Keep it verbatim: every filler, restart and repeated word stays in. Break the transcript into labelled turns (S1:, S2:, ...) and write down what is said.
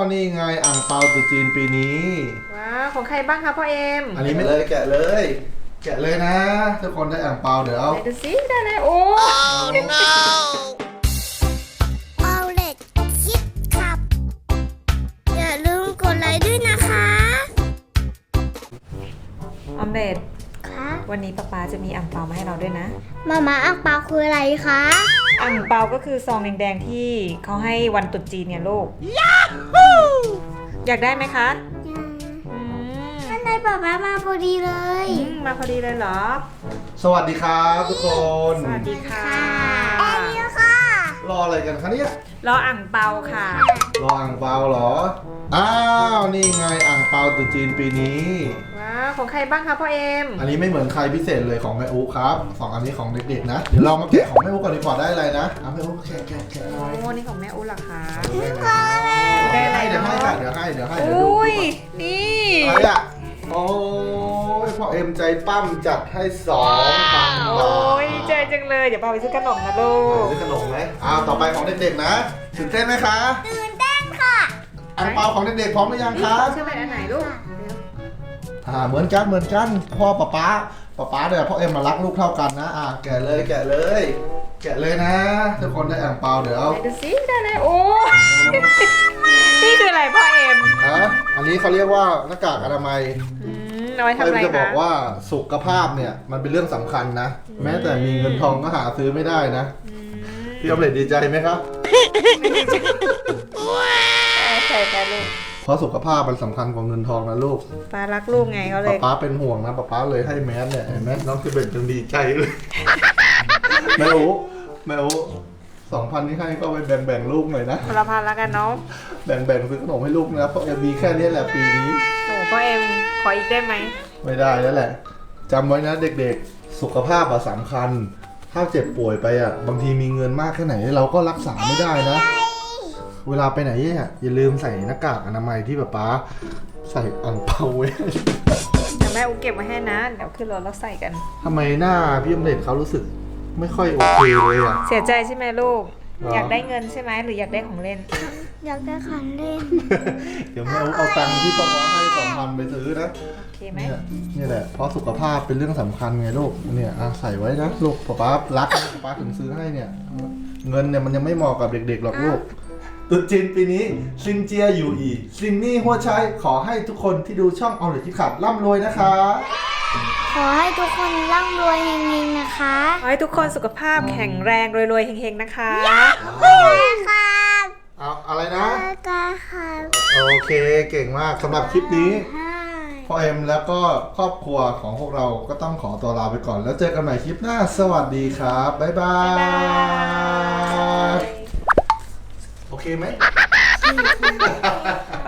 S1: นี่ไงอ่างเปาตรุษจีนปีนี้
S2: ว้าวของใครบ้างคะพ่อเอ็ม
S1: อันนี้ไม่เลยแกะเลย แกะเลยนะทุกคนได้อ่างเปาเดี๋ยวเอา
S2: ไหนดูสิได้เลยโอ้
S3: เอาเล็กคิดขับ อย่าลืมกดไลค์ด้วยนะคะ
S2: ออมเล็ต
S3: คะ
S2: วันนี้ป๊าป๊าจะมีอ่างเปามาให้เราด้วยนะ
S3: มาม่าอังเปาคืออะไรคะ
S2: อ่างเปาก็คือซองแดงๆที่เขาให้วันตรุษจีนเนี่ยลูกอยากได้ไหมคะอืม
S3: ท่านนายป๊าป๊ามาพอดีเลย
S2: อืมมาพอดีเลยเหรอ
S1: สวัสดีครับทุกคน
S2: สวัสดีค่ะ
S3: แอนนี่ค่ะ
S1: รออะไรกันคะเนี่ย
S2: รออ่างเปาค่ะ
S1: รออ่างเปาเหรออ้าวนี่ไงอ่างเปาตรุษจีนปีนี้
S2: ว้าวของใครบ้างคะพ่อเอ็ม
S1: อันนี้ไม่เหมือนใครพิเศษเลยของแม่อุ๊ครับสองอันนี้ของเด็กๆนะเดี๋ยวเรามาแกะของแม่อุ๊ก่อนดีกว่าได้อะไรนะเอาแม่อุ๊แกะแกะแกะหน่อย
S2: โอ้นี่ของแม่อุ้เหรอคะ
S1: ได้
S2: ได้อะไร
S1: เดี๋ยวให้
S2: เนาะ
S1: ค่ะเดี๋ยวให้เดี๋ยวให้
S2: โอ
S1: เดี๋ยวดู
S2: ้ย
S1: ดู
S2: นี่
S1: ก่อนอะไรอ่ะโอ้ยพ่อเอ็มใจปั้มจัดให้สองพัน
S2: โอ้
S1: บาท
S2: ยใจจังเลยเดี๋ยวพาไปซื้อขนมนะลูก
S1: ซื้อขนมไหมอ้าวต่อไปของเด็กๆนะตื่นเต้นไหมคะ
S3: ตื่นเต้นค่ะ
S1: อ่างเปาของเด็กๆพร้อมหรือยังคะ
S2: เชื่อไหมอันไหนลูก
S1: อ่าเหมือนกันเหมือนกันพ่อป๊าป๊าป๊าป๊าเดี๋ยวพ่อเอ็มมารักลูกเท่ากันนะอ่าแกะเลยแกะเลย แกะเลยนะทุกคนได้อ่างเปาเดี๋ยวเอา
S2: ไหนดูสิได้เลยโอ้นี่คืออะไรพ่อเอ็ม
S1: ฮะอันนี้เขาเรียกว่าหน้ากากอนามัย
S2: อืมเอาไว้ทำ
S1: เอ็
S2: อะ
S1: ม
S2: ไร
S1: จะบอ
S2: คะ
S1: กว่าสุขภาพเนี่ยมันเป็นเรื่องสำคัญนะ แม้แต่มีเงินทองก็หาซื้อไม่ได้นะ
S2: อืม
S1: พี่ออมเล็ตดีใจไหมครับ
S2: ใช่ค่ะลูก
S1: เพราะสุขภาพมันสำคัญกว่าเงินทองนะลูก
S2: ป้ารักลูกไงเขาเล
S1: ป๊าย ป๊าเป็นห่วงนะป๊าป๊าเลยให้แมสเนี่ยเห็นไหมน้องคือเป็นจังดีใจเลยแม่โอ้แม่โอ้สองพันที่ให้ก็ไปแบ่งแบ่งๆลูกหน่อยนะ
S2: คนละพันแล้วกันเนาะ
S1: แบ่งแบ่งๆซื้อขนมให้ลูกนะเพราะเอ็มมีแค่นี้แหละปีนี้
S2: โอ้พ่อเอ็มขออีกได้ไหม
S1: ไม่ได้แล้วแหละจำไว้นะเด็กๆ สุขภาพอะสำคัญ ถ้าเจ็บป่วยไปอะบางทีมีเงินมากแค่ไหนเราก็รักษาไม่ได้นะ เวลาไปไหนเนี่ยอย่าลืมใส่หน้ากากอนามัยที่ป๊าป๊าใส่อ่างเปาไว้
S2: เดี๋ยวแม่อุ้เก็บไว้ให้นะเดี๋ยวขึ้นรถแล้วใส่กัน
S1: ทำไมหน้าพี่อมเล็ตเขารู้สึกไม่ค่อยโอเคเลยอะ
S2: เสียใจใช่ไหมลูก
S1: หรอ
S2: อยากได้เงินใช่ไหมหรืออยากได้ของเล่น
S3: อยากได้ของเล่น
S1: เดี๋ยวแม่เอาตังค์ที่ป๊าป๊าให้สองพันไปซื้อนะ
S2: โอเคไหม
S1: เนี่ยนี่แหละเพราะสุขภาพเป็นเรื่องสำคัญไงลูกเนี่ยอ่ะใส่ไว้นะลูกป๊าป๊ารักป๊าป๊าถึงซื้อให้เนี่ยเงินเนี่ยมันยังไม่เหมาะกับเด็กๆหรอกลูกตรุษจีนปีนี้ซินเจียอยู่อีซินนี่หัวชัยขอให้ทุกคนที่ดูช่องเอาเลยที่ขับร่ำรวยนะคะ
S3: ขอให้ทุกคนร่ำรวยเฮงๆนะคะ
S2: ขอให้ทุกคนสุขภาพแข็งแรงรวยๆเฮงๆนะคะ
S3: ครับ
S1: เอาอะไรนะ
S3: กาครับ
S1: โอเคเก่งมากสำหรับคลิปนี้
S3: ให้
S1: พ่อเอ็มแล้วก็ครอบครัวของพวกเราก็ต้องขอตัวลาไปก่อนแล้วเจอกันใหม่คลิปหน้าสวัสดีครับบ๊ายบาย
S2: บ๊ายบาย
S1: โอเคไหม